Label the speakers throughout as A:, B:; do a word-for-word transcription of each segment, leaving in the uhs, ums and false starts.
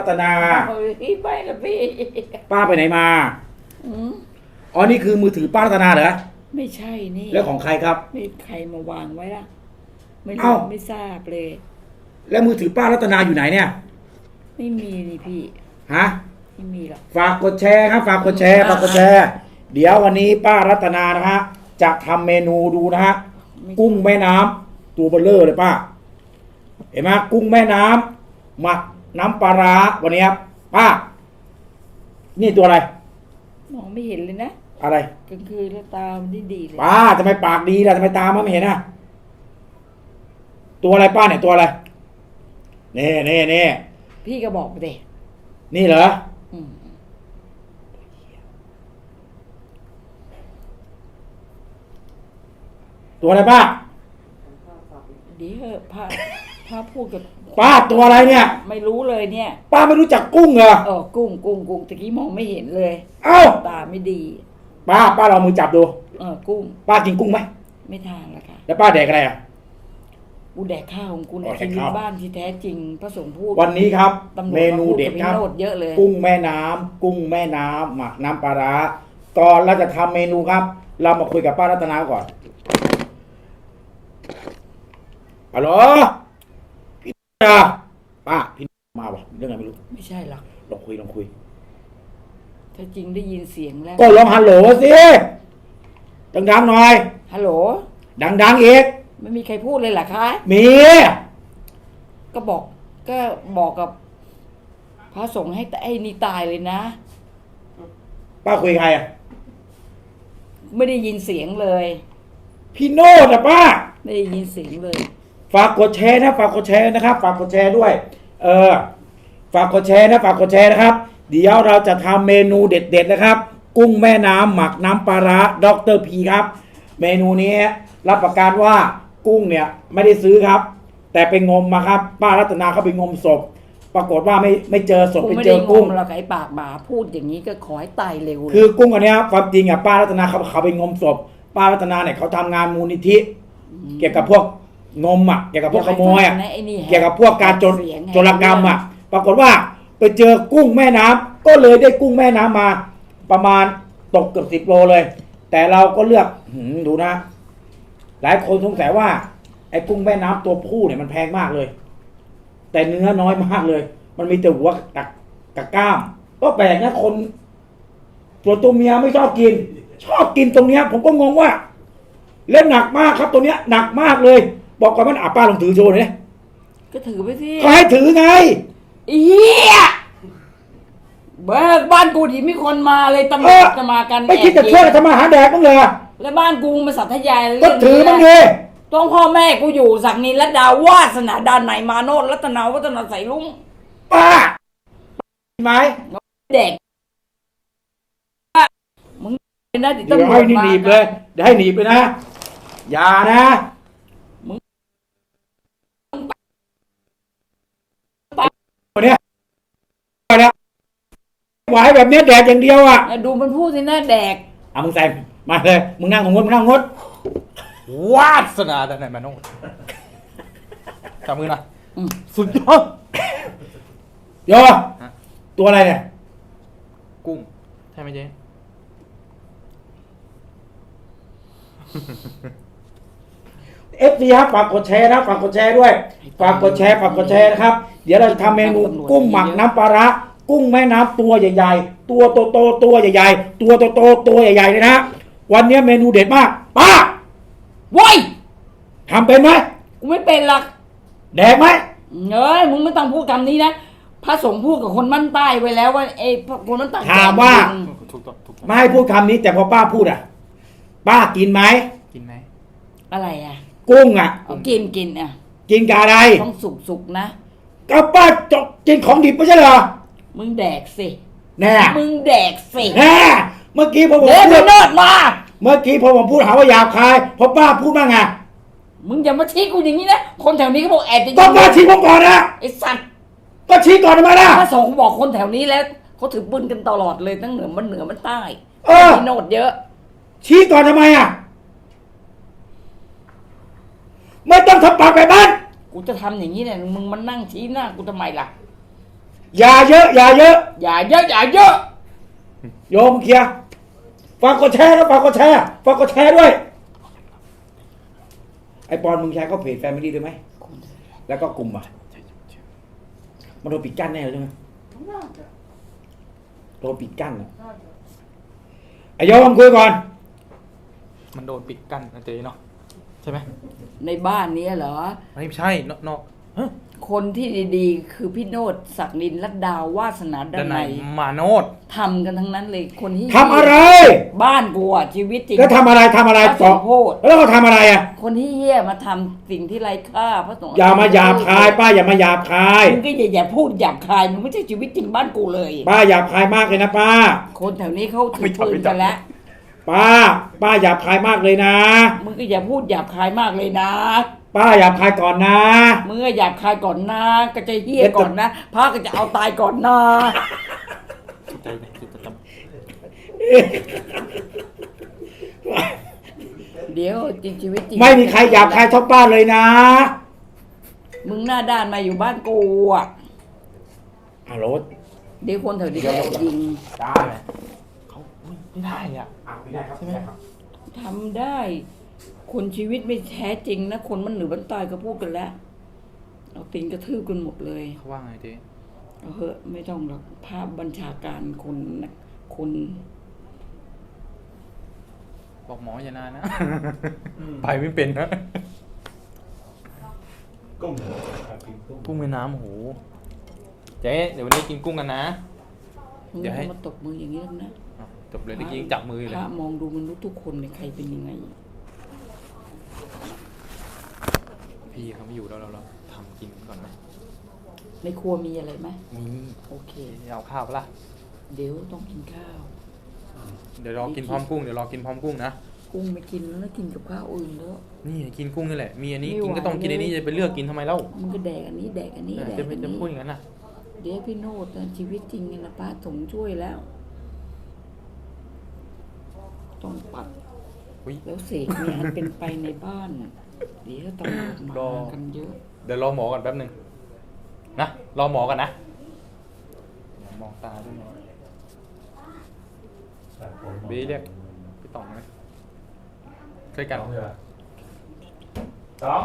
A: รัตนา
B: เฮ้ยไปละพี่
A: ป้าไปไหนมา
B: อืม
A: อ๋อนี่คือมือถือป้ารัตนาเหรอ
B: ไม่ใช่นี่
A: แล้วของใครครับ
B: ไม่ใครมาวางไว้ล่ะไม่รู้
A: เอ้า
B: ไม่ทราบเลย
A: แล้วมือถือป้ารัตนาอยู่ไหนเนี่ย
B: ไม่มีนี่พี่
A: ฮะ
B: ไม่มีหรอก
A: ฝากกดแชร์ครับฝากกดแชร์ฝากกดแชร์เดี๋ยววันนี้ป้ารัตนานะฮะจะทำเมนูดูนะฮะกุ้งแม่น้ำตัวเบลเลอร์เลยป้าเห็นไหมกุ้งแม่น้ำหมักน้ำปลาร้าวันนี้ครับป้านี่ตัวอะไร
B: มองไม่เห็นเลยนะ
A: อะไร
B: กลางคืนแล้วตามันดีดีเลย
A: ป้าทำไมปากดีล่ะทำไมตามันไม่เห็นอ่ะตัวอะไรป้าเนี่ยตัวอะไรเน่เน่เน่
B: พี่ก็บอกไปเด
A: นี่เหรอ
B: อืม
A: ตัวอะไรป้า
B: ดีเหอะพาพาพูดกับ
A: ป้าตัวอะไรเนี่ย
B: ไม่รู้เลยเนี่ย
A: ป้าไม่รู้จักกุ้งเหรอ
B: เออกุ้งกุ้งกุ้งตะกี้มองไม่เห็นเลย
A: เอ้า
B: ตาไม่ดี
A: ป้าป้าลองมือจับดู
B: เออกุ้ง
A: ป้ากินกุ้งไหม
B: ไม่ทานละค่ะ
A: แล้วป้าแดกอะไรอ่ะ
B: กูแดกข้าวของกูเนี่ยชีวิตบ้านที่แท้จริงพระสงฆ์พูด
A: วันนี้ครับเมนูเด็ดครับ
B: เยอะเลย
A: กุ้งแม่น้ำกุ้งแม่น้ำหมักน้ำปลาร้าก่อนเราจะทำเมนูครับเรามาคุยกับป้ารัตนาก่อนฮัลโหลพี่นาป้าพี่มาว่ะเรื่องอะไรไม่รู้
B: ไม่ใช่หรอก
A: ลองคุยลองคุย
B: ถ้าจริงได้ยินเสียงแล้ว
A: ก็ลองฮัลโหลสิดังๆหน่อย
B: ฮัลโหล
A: ดังๆอีก
B: ไม่มีใครพูดเลยเหรอคะ
A: มี
B: ก็บอกก็บอกกับพระสงฆ์ให้ไอ้นี่ตายเลยนะ
A: ป้าคุยใครอ่ะ
B: ไม่ได้ยินเสียงเลย
A: พี่โนดอ่ะป้า
B: ไม่ได้ยินเสียงเลย
A: ฝากกดแชร์นะฝากกดแชร์นะครับฝากกดแชร์ด้วยเออฝากกดแชร์นะฝากกดแชร์นะครับเดี๋ยวเราจะทำเมนูเด็ดๆนะครับกุ้งแม่น้ำหมักน้ำปลาร้าด็อกเตอร์พีครับเมนูนี้รับประกันว่ากุ้งเนี่ยไม่ได้ซื้อครับแต่ไปงมมาครับป้ารัตนาเขาไปงมศพปรากฏว่าไม่ไม่เจอศพไปเจอกุ้ง
B: เราไอ้ปากหมาพูดอย่างนี้ก็ขอให้ตายเร็ว
A: คือกุ้งอันนี้ความจริงอ่ะป้ารัตนาเขาเขาไปงมศพป้ารัตนาเนี่ยเขาทำงานมูลนิธิเกี่ยวกับพวกงมอ่ะเกี่ยวกับพวกขโมยอ่ะเกี่ยวกับพวกการโจรโจรกรรมอ่ะปรากฏว่าไปเจอกุ้งแม่น้ำก็เลยได้กุ้งแม่น้ำมาประมาณตกเกือบสิบโลเลยแต่เราก็เลือกดูนะหลายคนสงสัยว่าไอ้กุ้งแม่น้ำตัวผู้เนี่ยมันแพงมากเลยแต่เนื้อน้อยมากเลยมันมีแต่หัวกับกับกล้ามก็แปลกนะคนส่วนตัวเมียไม่ชอบกินชอบกินตรงเนี้ยผมก็งงว่าเล่นหนักมากครับตัวเนี้ยหนักมากเลยบอกก่อนมันอาป้าลองถือโชว์เลย
B: ก็ถือไปสิ
A: ก็ให้ถือไง
B: เฮียเบิกบ้านกูที่มีคนมาเลยตำรวจจะมากัน
A: ไม่คิดจะช่วยทำมาหาแดกบ้างเลย
B: แล้วบ้านกูมาสัตยาย
A: ก็ถือบ้างดิ
B: ต้องพ่อแม่กูอยู่ศักดิ์นินและดาวาสนาดานไหนมาโนดรัตนาวัฒนาใสลุง
A: ป้าไหม
B: เด็กมึงนะ
A: เดี๋ยวให้หนีบเลยเดี๋ยวให้หนีบไปนะอย่านะมึงวันนี้นะไหวแบบนี้แดกอย่างเดียวอ่ะ
B: ดูมันพูดสินะแดก
A: อ่ะมึงใส่มาเลยมึงนั่งงดมึงนั่งงด
C: วาสนาแต่ไหนมาโน่จับมือหน่อยสุดยอด
A: โยตัวอะไรเนี่ย
C: กุ้งใช่ไหมเจ๊
A: เอฟซีครับฝากกดแชร์นะฝากกดแชร์ด้วยฝากกดแชร์ฝากกดแชร์นะครับเดี๋ยวเราจะทำเมนูกุ้งหมักน้ำปลาร้ากุ้งแม่น้ำตัวใหญ่ๆตัวโตๆตัวใหญ่ๆตัวโตๆตัวใหญ่ๆเลยนะวันนี้เมนูเด็ดมากป้า
B: ว้ย
A: ทำเป็นไหม
B: กูไม่เป็นหรอก
A: แดกไหม
B: เอ้ยมึงไม่ต้องพูดคำนี้นะพระสงฆ์พูดกับคนมั่นใต้ไว้แล้วว่าไอ้คนนั้นต่าง
A: ถามว่าไม่ให้พูดคำนี้แต่พอป้าพูดอ่ะป้ากินไหม
C: กินไหม
B: อะไรอ่ะ
A: กุ้งอ่ะ
B: กินกินอ่ะ
A: กินกับอะไร
B: ต้องสุกสุกนะ
A: ก็ป้าจกกินของดิบไม่ใช่เหรอ
B: มึงแดกสิ
A: แน่
B: มึงแดกสิ
A: แน่เมื่อกี้พอผม
B: พูดโนดมา
A: เมื่อกี้พอผมพูดหาว่าหยาบคายพอป้าพูดว่าไง
B: มึงอย่ามาชี้กูอย่างนี้นะคนแถวนี้เขาบอกแอบจะ
A: ก็ป้าชี้ผมก่อนนะ
B: ไอ้สัตว์
A: ก็ชี้ก่อนทำไมล่ะ
B: พระสงฆ์บอกคนแถวนี้แล้วเขาถือปืนกันตลอดเลยตั้งเหนือมันเหนือมันใต้มีโนดเยอะ
A: ชี้ก่อนทำไมอ่ะไม่ต้องทำปากแบบนั้น
B: กูจะทำอย่างนี้เนี่ยมึงมานั่งชี้หน้ากูทำไมล่ะ
A: อย่าเยอะ อย่าเยอะ
B: อย่าเยอะอย่าเยอะ
A: โยมเคลียร์ฝากกดแชร์นะฝากกดแชร์ฝากกดแชร์ด้วย ไอปอนมึงแชร์เข้าเพจแฟมิลี่ได้ไหมแล้วก็กลุ่มอ่ะมันโดนปิดกั้นแน่เลยใช่ไหมโดนปิดกั้นอะไอโยมคุยก่อน
C: มันโดนปิดกั้นนะเจ๊เนาะใช่ไหม
B: ในบ้านนี้เหรอ
C: ไม่ใช่นอกนอกฮะ
B: คนที่ดีๆ คือพี่โนดศักดินลัดดาววาสนาด
C: ด้าน
B: น
C: ใน
B: ในย
C: มาโนด
B: ทำกันทั้งนั้นเลยคนที่
A: ทำอะไร
B: บ้านกูอะชีวิตจริง
A: แล้วทำอะไรทำอะไร
B: พระส
A: ต่อง
B: ฆ์โพธิ
A: แล้วเราทำอะไรอ่ะ
B: คนที่เหี้ยมาทำสิ่งที่ไร้ค่าพระสงฆ์
A: อย่ามาหยาบคาย ป้าอย่ามาหยาบคาย
B: มึงก็อย่าอย่าพูดหยาบคายมึงไม่ใช่ชีวิตจริงบ้านกูเลย
A: ป้าหยาบคายมากเลยนะป้า
B: คนแถวนี้เขาถือปืนกันแล้ว
A: ป้า ป้าหยาบคายมากเลยนะ
B: มึงก็อย่าพูดหยาบคายมากเลยนะ
A: ป้าหยาบคายก่อนนะ
B: มึงก็หยาบคายก่อนนะก็จะเหี้ยก่อนนะพระก็จะเอาตายก่อนนะ
C: ใจไหนคือประจ
B: เดี๋ยวจริงชีวิตจริง
A: ไม่มีใครหยาบคายเท่าป้าเลยนะ
B: มึงหน้าด้านมาอยู่บ้านกูอ่ะ
A: ฮัลโหล
B: เดี๋ยวคนแถวนี้จะยิง
A: ได้
C: ำเขาไม่ได้อ่ะ
A: ไม่ได้ครับ
C: ใช่ไหม
B: ทำได้ คนชีวิตไม่แท้จริงนะคนมันเหนือมันตายก็พูดกันแล้วเอาตีนกระทืบกันหมดเลย
C: เขาว่าไงเจ๊
B: เอาเหอะไม่ต้องหรอกภาพบัญชาการคนนะคน
C: บอกหมออย่านานนะ ไปไม่เป็นนะ
D: กุ้งครับกินกุ้ง
C: กุ้งแม่น้ำโอ้โหเจ๊เดี๋ยววันนี้กินกุ้งกันนะ
B: มึง
C: เดี๋ยวให้
B: มาตบมืออย่างนี้แล้วนะ
C: อ้าวจบเลยตะกี้ยังจับมืออยู่
B: พ
C: เลย
B: ระมองดูมันรู้ทุกคนเลยใครเป็นยังไง
C: พี่เขาไม่อยู่แล้วเราเราทำกินก่อนไหม
B: ในครัวมีอะไรไหม
C: มี
B: โอเค
C: เอาข้าวปะล่ะ
B: เดี๋ยวต้องกินข้าว
C: เดี๋ยวรอกินพร้อมกุ้งเดี๋ยวรอกินพร้อมกุ้งนะ
B: กุ้งไม่กินแล้วนะกินกับข้าวอื่นแล้ว
C: นี่กินกุ้งนี่แหละ มีอันนี้
B: ไม่ไหว
C: กินก็ต้องกินอันนี้จะไปเลือกกินทำไมเล่า
B: มันก็แดกอันนี้แดกอันนี้แดก
C: จะ
B: อั
C: ไม่
B: น
C: จะ
B: นี้
C: พูดอย่างนั้นน่ะ
B: เดี๋ยวพี่โนดนะชีวิตจริงไงนะป้าสงช่วยแล้ว ต้องปัด
C: อุ๊ย
B: แล้วเสกงานเป็นไปในบ้านเดี๋ยวตำรวจ
C: รอ
B: มากันเยอะ
C: เดี๋ยวรอหมอก่อนแป๊บหนึ่งนะรอหมอก่อนนะเดี๋ยวมองตาด้วยหมอ
D: แต่ผม
C: บีเรียกพี่ต่องไหมช่วยกัน
D: สองเลยเหรอสอง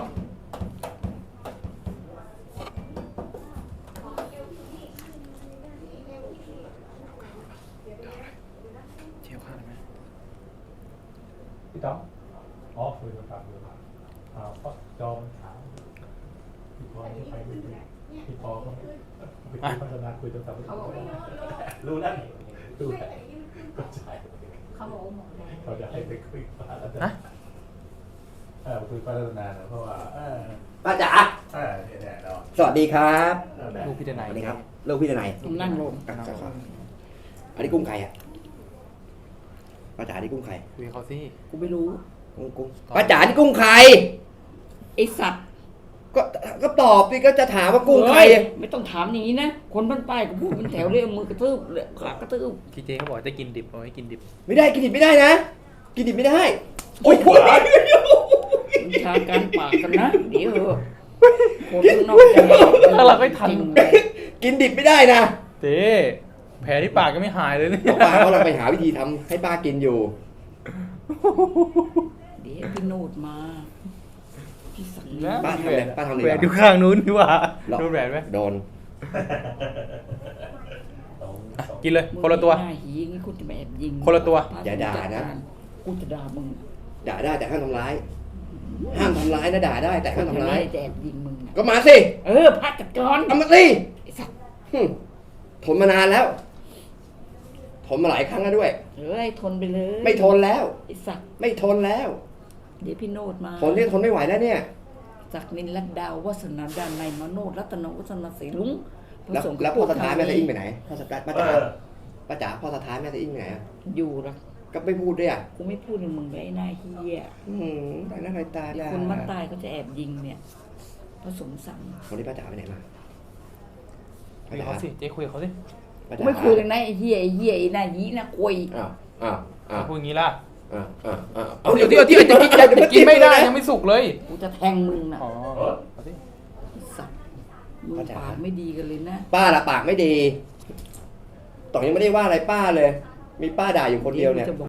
C: เชี่ยวข้าวได้ไหม
D: พี่ต้องอ๋อคุยโทรศัพท์อยู่อ่าก็จอมถามพี่พอจะไปไม่ได้พี่พอก็ไปคุยพัฒนาคุยโทรศัพท์รู้แล้วนี่รู้แล้วก็ใช่เขาจะให้ไปคุยพัฒนา
C: ฮะ
D: เออไปคุยพัฒนาเนอะเพราะว่าเออ
E: ป้าจ๋า
D: เออเนี่ยเนี่ยเรา
E: สวัสดีครับ
D: เออแบบ
C: ลูกพี่เดนไหน
E: สวัสดีครับลูกพี่ทนาย
B: ผมนั่งลง
E: อ่ะครับครับอันนี้กุ้งไข่อ่ะป้าจ๋านี่กุ้งไข่
C: คุยกับเขาสิ
B: กูไม่รู้
E: กุ้งกุ้งป้าจ๋านี่กุ้งไข่
B: ไอสัตว์
E: ก็ก็ตอบสิก็จะถามว่ากุ้งไข่
B: เฮ้ยไม่ต้องถามอย่างนี้นะคนบ้านป้ายก็พูดเป็นแถวเลยเอามือกระทืบเลยขากระทืบ
C: พี่เจเขาบอกจะกินดิบเอาไว้กินดิบ
E: ไม่ได้กินดิบไม่ได้นะ กินดิบไม่ได้โอ้ย
B: บัญชาการปากกันนะเดี๋ยวเถอะคนข้างนอกจะ
C: ถ้าเราไม่ทัน
B: จริงเลย
E: กินดิบไม่ได้นะ
C: เจ๊แผลที่ปากก็ไม่หายเลยเนี่ย
E: บอกป้าเขาเราไปหาวิธีทำให้ป้ากินอยู่
B: เดี๋ยวพี่โนดมาพี่สัง
C: นะ
E: ป้าทำเลยป้าทำเลย
C: แหวนอยู่ข้างนู้นดีกว่า
E: หรอ
C: โดนแหวนไหม
E: โดน
D: สอง
C: อ่ะ
D: สอง
C: กินเลยคนละตัว
B: หน้าหีงี้กูจะมาแอบยิง
C: คนละตัว
E: อย่าด่านะ
B: กูจะด่ามึง
E: ด่าได้แต่ห้ามทำร้าย ห้ามทำร้ายนะด่าได้แต่ห้ามทำร้าย
B: จะแอบยิงมึงนะ
E: ก็มาสิ
B: เออพักจัดการ
E: เอามาสิ
B: ไอ้สัตว์
E: หึทนมานานแล้ว ทนมาหลายครั้งแล้วด้วย
B: เฮ้ยทนไปเลย
E: ไม่ทนแล้ว
B: ไอ้สัตว์
E: ไม่ทนแล้ว
B: เดี๋ยวพี่โนดมา
E: ทนที่ทนไม่ไหวแล้วเนี่ย
B: จากนินลัดดาววัฒนาดานในยมาโนดรัตนวัฒนาศรีลุงพระ
E: แล้ว
B: สงฆ์
E: แล้วพ่อสถานแม่
B: ท
E: ตะอิงไปไหนพ่อสถานป้า
D: เอ
E: จ๋า
D: อ
E: ป้าจ๋าพ่อสถานแม่ตะอิงไปไหนอะ
B: อยู่ละ
E: ก็ไม่พูดด้วยอ่ะ
B: กูไม่พูดกับมึงเลยไอ้หน้าเฮีย
E: อืมแต่หน้าใครตา
B: เดี๋ยว
E: ด่า
B: คนมันตายเขาจะแอบยิงเนี่ยพระสงฆ์สั่ง
E: วันนี้ป้าจ๋าไปไหนมา
C: คุยกับเขาสิเจ๊คุยกับเขาสิ
E: ป้า
B: กู
E: จ๋า
B: ไม่คุยเลยนะไอ้เฮียไอ้เฮียไอ้หน้ายีนะคุย
E: อ้าวอ้าวอ้าว
C: พูดอย่างนี้ล่ะ
E: อ้าวอ้าวอ้าว
C: เอาเดี๋ยวเดี๋ยวเดี๋ยวเดี๋ยวกินกินไม่ได้ยังไม่สุกเลย
B: กูจะแทงมึงนะ
C: อ๋อเอาสิ
B: ไอ้สัตว์มึง
E: ป้าจ๋า
B: ปากไม่ดีกันเลยนะ
E: ป้าละปากไม่ดีต่องยังไม่ได้ว่าอะไรป้าเลย มีป้าด่าอยู่คนเดียวเนี่ย
B: จะบอก